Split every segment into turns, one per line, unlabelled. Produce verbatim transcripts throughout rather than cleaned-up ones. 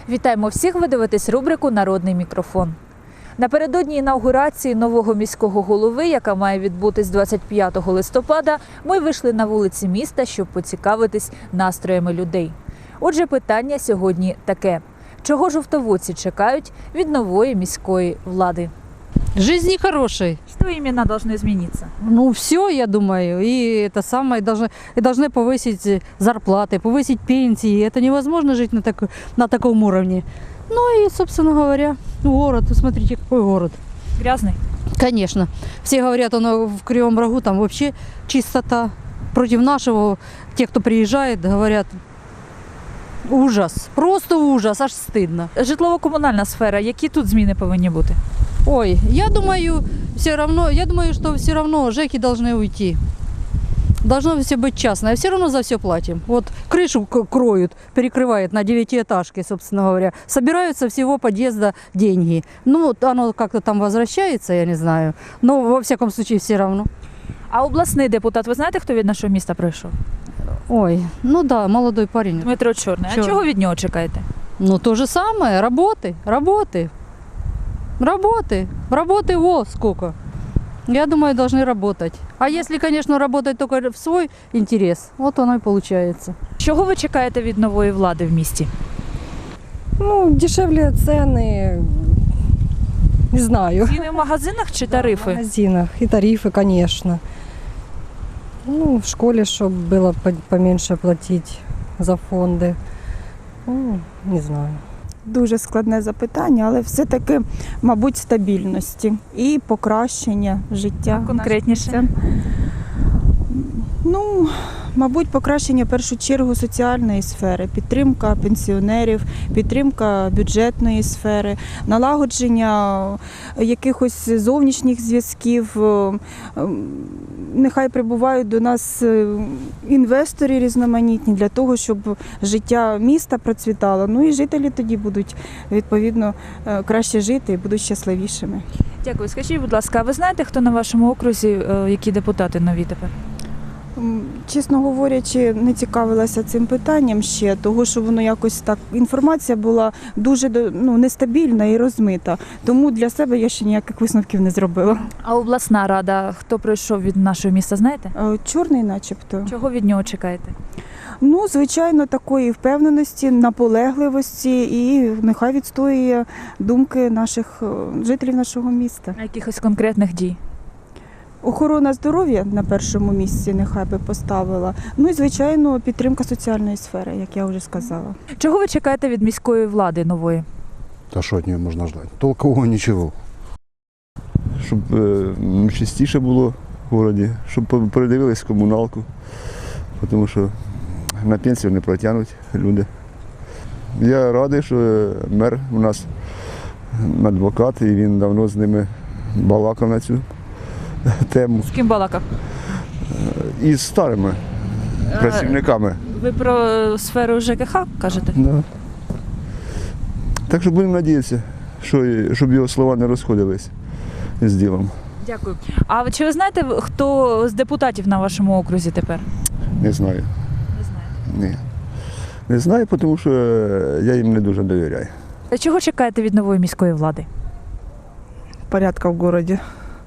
Вітаємо всіх, ви дивитесь рубрику «Народний мікрофон». Напередодні інаугурації нового міського голови, яка має відбутись двадцять п'ятого листопада, ми вийшли на вулиці міста, щоб поцікавитись настроями людей. Отже, питання сьогодні таке. Чого жовтоводці чекають від нової міської влади?
Жизни хорошей.
Что именно должно измениться?
Ну, все, я думаю. И это самое, должны, и должны повысить зарплаты, повысить пенсии. Это невозможно жить на, так, на таком уровне. Ну и, собственно говоря, город. Смотрите, какой город.
Грязный?
Конечно. Все говорят, он в Кривом Рогу, там вообще чистота. Против нашего, те, кто приезжает, говорят, ужас. Просто ужас, аж стыдно.
Житлово-комунальна сфера. Які тут зміни повинні бути?
Ой, я думаю, все равно, я думаю, что все равно ЖЭКи должны уйти. Должно все быть частное. Все равно за все платим. Вот крышу к- кроют, перекрывают на девятиэтажке, собственно говоря. Собирают со всего подъезда деньги. Ну, вот оно как-то там возвращается, я не знаю. Но во всяком случае все равно.
А обласний депутат, ви знаєте, хто від нашого міста прийшов?
Ой, ну да, молодой парень.
Дмитро Чорний. А
Чорний.
чого від нього чекаєте?
Ну, то же самое, работы, работы. Работы, работы, во, сколько. Я думаю, должны работать. А если, конечно, работать только в свой интерес, вот оно и получается.
Чого ви чекаєте від нової влади в місті?
Ну, дешевле цены, не знаю.
Ціни в магазинах чи
В
тарифи?
магазинах и тарифы, конечно. Ну, в школе, чтобы было по- поменьше платить за фонды. Ну, не знаю.
Дуже складне запитання, але все-таки, мабуть, стабільності і покращення життя.
Конкретніше?
Це, ну, мабуть, покращення в першу чергу соціальної сфери, підтримка пенсіонерів, підтримка бюджетної сфери, налагодження якихось зовнішніх зв'язків. Нехай прибувають до нас інвестори різноманітні для того, щоб життя міста процвітало. Ну і жителі тоді будуть, відповідно, краще жити і будуть щасливішими.
Дякую. Скажіть, будь ласка, а ви знаєте, хто на вашому окрузі, е, які депутати нові тепер?
М, Чесно говорячи, не цікавилася цим питанням ще, того що воно якось так, інформація була дуже ну, нестабільна і розмита. Тому для себе я ще ніяких висновків не зробила.
А обласна рада, хто прийшов від нашого міста, знаєте?
Е, Чорний начебто.
Чого від нього чекаєте?
Ну, звичайно, такої впевненості, наполегливості і нехай відстоює думки наших е, жителів нашого міста.
А якихось конкретних дій?
Охорона здоров'я на першому місці нехай би поставила. Ну і, звичайно, підтримка соціальної сфери, як я вже сказала.
Чого ви чекаєте від міської влади нової?
Та що від нього можна ждати? Толкового нічого.
Щоб е, чистіше було в місті, щоб передивились комуналку, тому що на пенсію не протягнуть люди. Я радий, що мер у нас адвокат, і він давно з ними балакав на цю тему.
З ким балакав?
І з старими працівниками.
Ви про сферу ЖКХ кажете?
Да. Так що будемо сподіватися, що, щоб його слова не розходились з ділом.
Дякую. А ви- чи ви знаєте, хто з депутатів на вашому окрузі тепер?
Не знаю.
Не знаєте.
Ні. Не знаю, тому що я їм не дуже довіряю.
Чого чекаєте від нової міської влади?
Порядка в городе,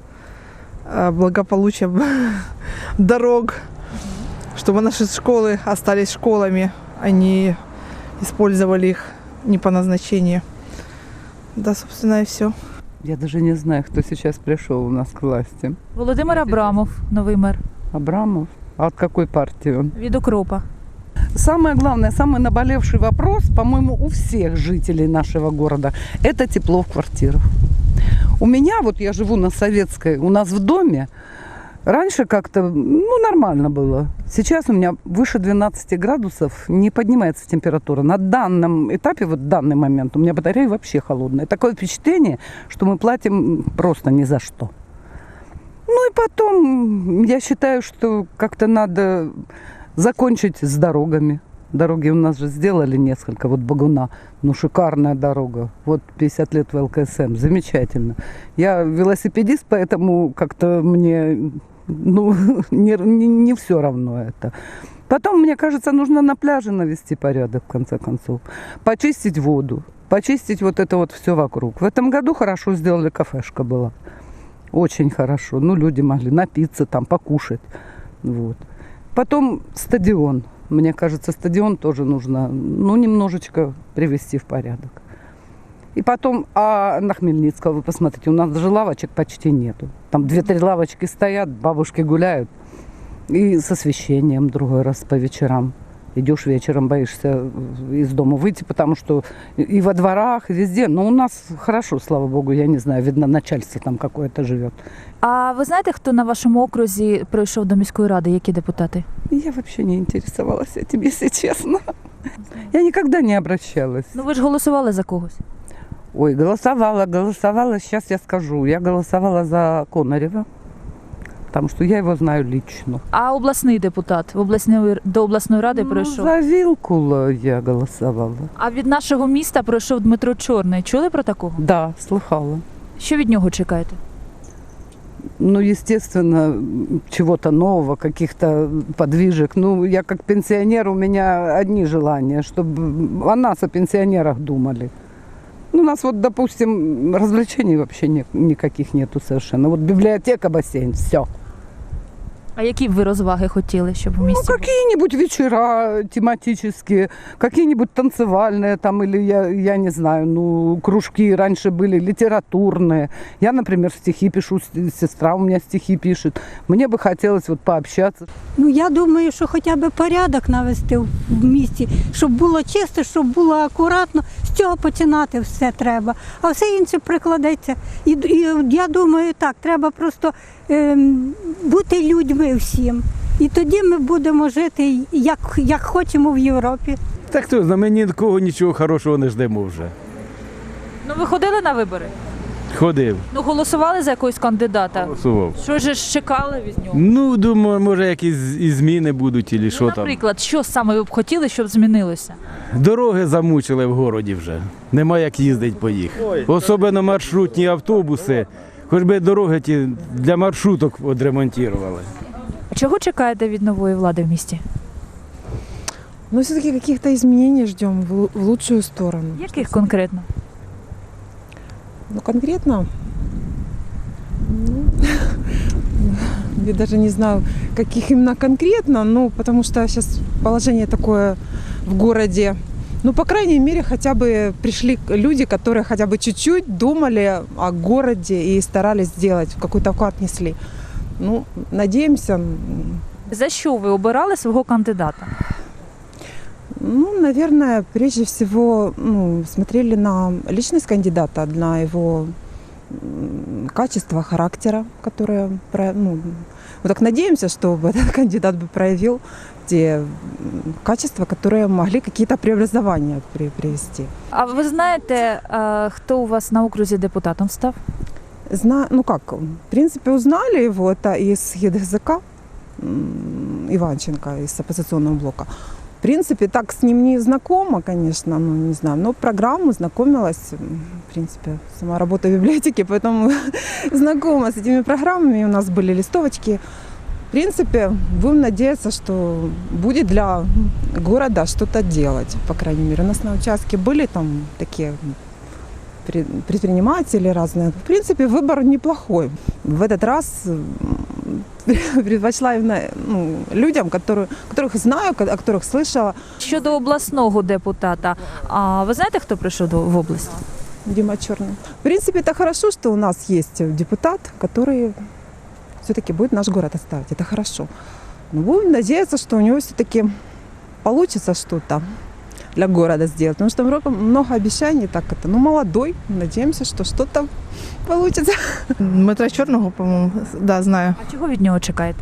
а, благополучия, дорог, чтобы наши школы остались школами, а не использовали их не по назначению. Да, собственно, и все.
Я даже не знаю, кто сейчас пришел у нас к власти.
Володимир Абрамов, новий мер.
Абрамов? А от какой партии он?
Від Укропа.
Самое главное, самый наболевший вопрос, по-моему, у всех жителей нашего города, это тепло в квартирах. У меня, вот я живу на Советской, у нас в доме, раньше как-то, ну, нормально было. Сейчас у меня выше двенадцати градусов не поднимается температура. На данном этапе, вот в данный момент, у меня батарея вообще холодная. Такое впечатление, что мы платим просто ни за что. Ну и потом, я считаю, что как-то надо закончить с дорогами. Дороги у нас же сделали несколько. Вот Багуна, ну шикарная дорога. Вот пятьдесят лет в ЛКСМ, замечательно. Я велосипедист, поэтому как-то мне Ну, не, не, не все равно это. Потом, мне кажется, нужно на пляже навести порядок, в конце концов. Почистить воду, почистить вот это вот все вокруг. В этом году хорошо сделали, кафешка была. Очень хорошо. Ну, люди могли напиться там, покушать. Вот. Потом стадион. Мне кажется, стадион тоже нужно, ну, немножечко привести в порядок. И потом, а на Хмельницкого, вы посмотрите, у нас даже лавочек почти нету. Там две-три лавочки стоят, бабушки гуляют. И с освещением другой раз по вечерам. Идешь вечером, боишься из дома выйти, потому что и во дворах, и везде. Но у нас хорошо, слава богу, я не знаю, видно, начальство там какое-то живет.
А ви знаєте, хто на вашому окрузі прийшов до міської ради? Які депутати?
Я вообще не интересовалась этим, если честно. Я никогда не обращалась.
Ну ви ж голосували за когось.
Ой, голосовала, голосовала, сейчас я скажу. Я голосовала за Конарева, потому что я его знаю лично.
А обласний депутат в обласної, до обласної ради
Ну,
прийшов?
за Вилкула я голосовала.
А від нашого міста прийшов Дмитро Чорний. Чули про такого?
Да, слыхала.
Що від нього чекаєте?
Ну, естественно, чего-то нового, каких-то подвижек. Ну, я как пенсионер, у меня одни желания, чтобы о нас, о пенсионерах думали. Ну, у нас вот, допустим, развлечений вообще не, никаких нету совершенно. Вот библиотека, бассейн, все.
А які б ви розваги хотіли, щоб в
Ну,
місті? були?
какие-нибудь вечера тематические, какие-нибудь танцевальные там, или я, я не знаю, ну, кружки раньше были, литературные. Я, например, стихи пишу, с- сестра у меня стихи пишет. Мне бы хотелось вот пообщаться.
Ну, я думаю, що хоча б порядок навести в місті, щоб було чисто, щоб було акуратно. З цього починати все треба. А все інше прикладеться. І, і я думаю, так, треба просто ем, бути людьми всім. І тоді ми будемо жити, як, як хочемо в Європі.
Так хто знає, ми ні від кого нічого хорошого не ждемо вже.
Ну ви ходили на вибори?
Ходив,
Ну голосували за якогось кандидата?
голосував.
Що ж чекали від нього?
Ну, думаю, може якісь і зміни будуть, і що
Ну,
там.
наприклад, що саме ви б хотіли, щоб змінилося?
Дороги замучили в городі вже. Нема як їздити по їх. Особливо маршрутні автобуси. Хоч би дороги ті для маршруток відремонтували.
А чого чекаєте від нової влади в місті?
Но все-таки каких-то изменений ждем в лу- в лучшую сторону.
Яких конкретно?
Ну, конкретно, ну, я даже не знаю, каких именно конкретно, ну, потому что сейчас положение такое в городе. Ну, по крайней мере, хотя бы пришли люди, которые хотя бы чуть-чуть думали о городе и старались сделать, какой-то вклад несли. Ну, надеемся, м,
За що ви обирали свого кандидата?
ну, наверное, прежде всего ну, смотрели на личность кандидата, на его м, качество характера, которое, про- ну, вот так надеемся, что этот кандидат бы проявил те м, качества, которые могли какие-то преобразования при- привести.
А ви знаєте, е, хто у вас на окрузі депутатом став?
Зна... Ну как, в принципе, узнали его, это из ЕДГЗК, м, Иванченко из оппозиционного блока. В принципе, так с ним не знакома, конечно, ну не знаю, но программу знакомилась, м, в принципе, сама работа в библиотеке, поэтому знакома с этими программами, у нас были листовочки. В принципе, будем надеяться, что будет для города что-то делать, по крайней мере. У нас на участке были там такие пре- предприниматели разные. В принципе, выбор неплохой. В этот раз м, предпочла именно ну, людям, которые, которых знаю, о которых слышала.
Щодо обласного депутата, а ви знаєте, хто прийшов до в область?
Дима Черный. В принципе, это хорошо, что у нас есть депутат, который все-таки будет наш город оставить. Это хорошо. Но будем надеяться, что у него все-таки получится что-то для города сделать. Потому что много, много обещаний, так это, ну, молодой. Надеемся, что что-то получится.
Дмитра Чорного, по-моєму, да, знаю.
А чого від нього чекаєте?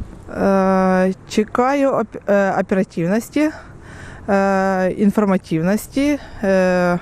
Е, Чекаю оп- е, оперативності, е, інформативності, е, е,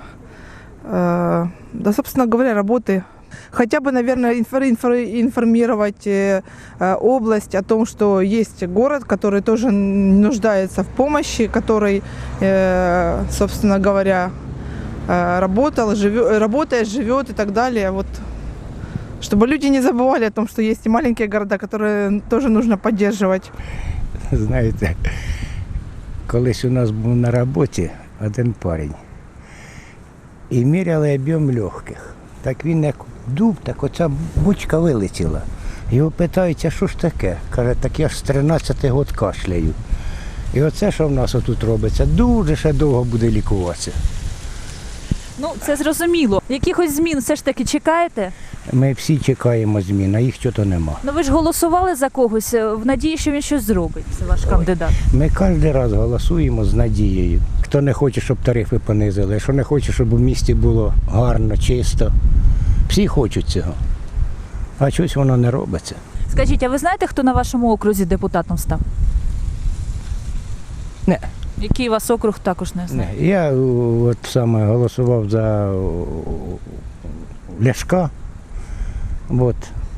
да, собственно говоря, работы. Хотя бы, наверное, инфор- инфор- информировать э, э, область о том, что есть город, который тоже нуждается в помощи, который, э, собственно говоря, э, работал, живет, работает, живет и так далее. Вот, Чтобы люди не забывали о том, что есть и маленькие города, которые тоже нужно поддерживать.
Знаєте, колись у нас був на роботі один парень. І міряли об'єм легких. Так він як дув, так оця бучка вилетіла. Його питають, а що ж таке? Каже, так я ж з тринадцяти год кашляю. І оце, що в нас отут робиться, дуже ще довго буде лікуватися.
Ну, це зрозуміло. Якихось змін все ж таки чекаєте?
Ми всі чекаємо змін, а їх чого-то нема.
Ну ви ж голосували за когось е, в надії, що він щось зробить. Це ваш кандидат.
Ми кожен раз голосуємо з надією. Хто не хоче, щоб тарифи понизили, хто не хоче, щоб у місті було гарно, чисто. Всі хочуть цього. А щось воно не робиться.
Скажіть, а ви знаєте, хто на вашому окрузі депутатом став?
Не.
Який у вас округ, також не знаю.
Не. Я о, от саме голосував за о, Ляшка, от,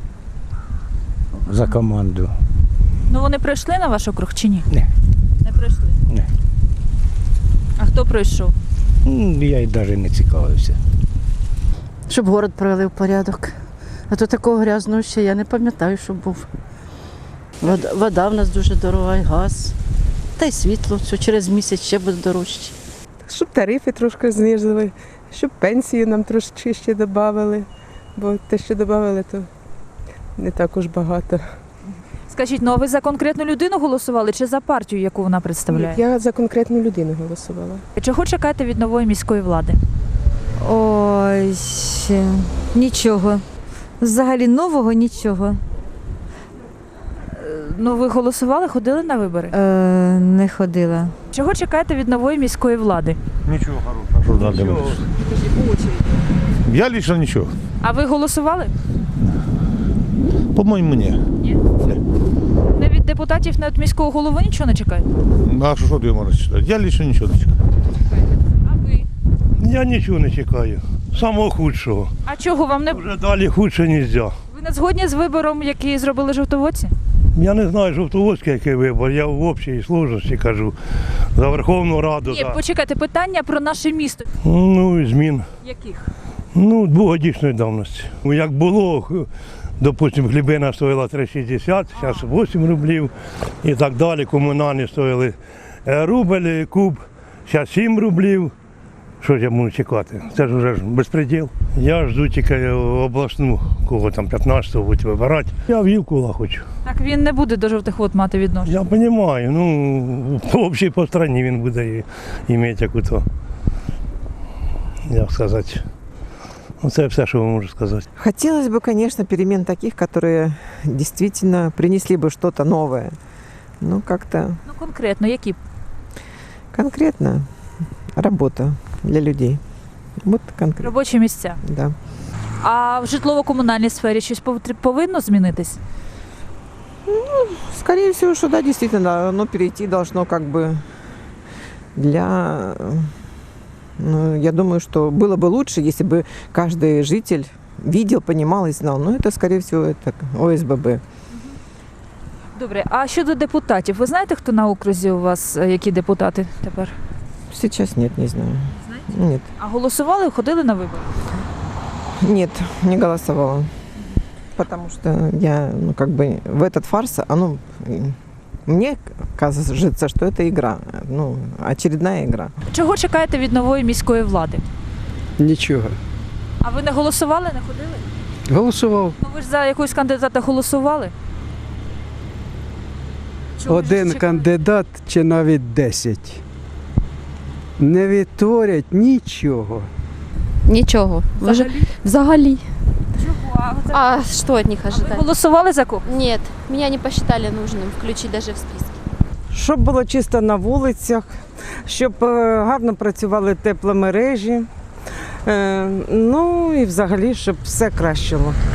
за команду.
Ну вони пройшли на ваш округ чи ні?
Не.
Не пройшли?
Не.
А хто пройшов?
М, Я й навіть не цікавився.
Щоб город привели в порядок. А то такого грязного ще я не пам'ятаю, що був. Вода, вода в нас дуже дорога, і газ. Та й світло, що через місяць ще буде дорожче.
Щоб тарифи трошки знизили, щоб пенсії нам трошки ще додали, бо те, що додали, то не також багато.
Скажіть, ну а ви за конкретну людину голосували чи за партію, яку вона представляє?
Я за конкретну людину голосувала.
Чого чекаєте від нової міської влади?
Ой, нічого. Взагалі нового нічого.
Ну ви голосували, ходили на вибори?
Е, не ходила.
Чого чекаєте від нової міської влади?
Ничего хорошего. Что надо? Я лично ничего.
А ви голосували?
По-моему, не.
Ні? Не від депутатів, не від міського голови нічого не чекаєте?
А що ти можеш читати? Я лично нічого не чекаю.
А ви?
Я нічого не чекаю. Самого худшого.
А чого вам не...
Вже далі худше не можна.
Ви не згодні з вибором, який зробили жовтоводці?
Я не знаю, жовтоводський який вибор, я в общій сложності кажу. За Верховну Раду.
Ні,
за...
почекайте, питання про наше місто.
Ну, і змін.
Яких?
Ну, двогодічної давності. Як було, допустимо, хлібина стоїла три шістдесят, зараз вісім рублів і так далі. Комунальні стоїли рубль, куб, зараз сім рублів. Що ж я можу чекати? Це ж вже безпреділ. Я жду тільки обласну, кого там п'ятнадцятого будуть вибирати. Я Вілкула хочу.
Так він не буде до жовтих вод мати відношення.
Я розумію, ну, взагалі по країні він буде мати яку-то, як сказати. Ну, це все, що я можу сказати.
Хотелось бы, конечно, перемен таких, которые действительно принесли бы что-то новое. Ну, как-то...
Ну, конкретно, які?
Конкретно работа для людей. Вот конкретно.
Робочі місця.
Да.
А в житлово-комунальній сфері щось повинно змінитись?
Ну, скорее всего, что да, действительно, оно перейти должно как бы для... Ну, я думаю, что было бы лучше, если бы каждый житель видел, понимал и знал. Но это, скорее всего, это О С Б Б.
Добре, а щодо депутатів, ви знаєте, хто на окрузі у вас, які депутати тепер?
Сейчас нет, не знаю.
Знаете?
Нет.
А голосували, ходили на вибори?
Нет, не голосовала. Потому что я, ну, как бы в этот фарс, оно, мне кажется, что это игра, ну, очередная игра.
Чого чекаєте від нової міської влади?
Нічого.
А ви не голосували, не ходили?
Голосував.
Ну ви ж за якогось кандидата голосували? Чого ж
Один
чекаєте?
кандидат чи навіть десять. Не відтворять нічого.
Ничего. Вы же-
Взагалі?
Взагалі.
Чого? А, це-
А что от них
а ви
ожидать?
голосували за кого?
Нет, меня не посчитали нужным включить даже в список.
Щоб було чисто на вулицях, щоб е, гарно працювали тепломережі, е, ну і взагалі, щоб все кращило.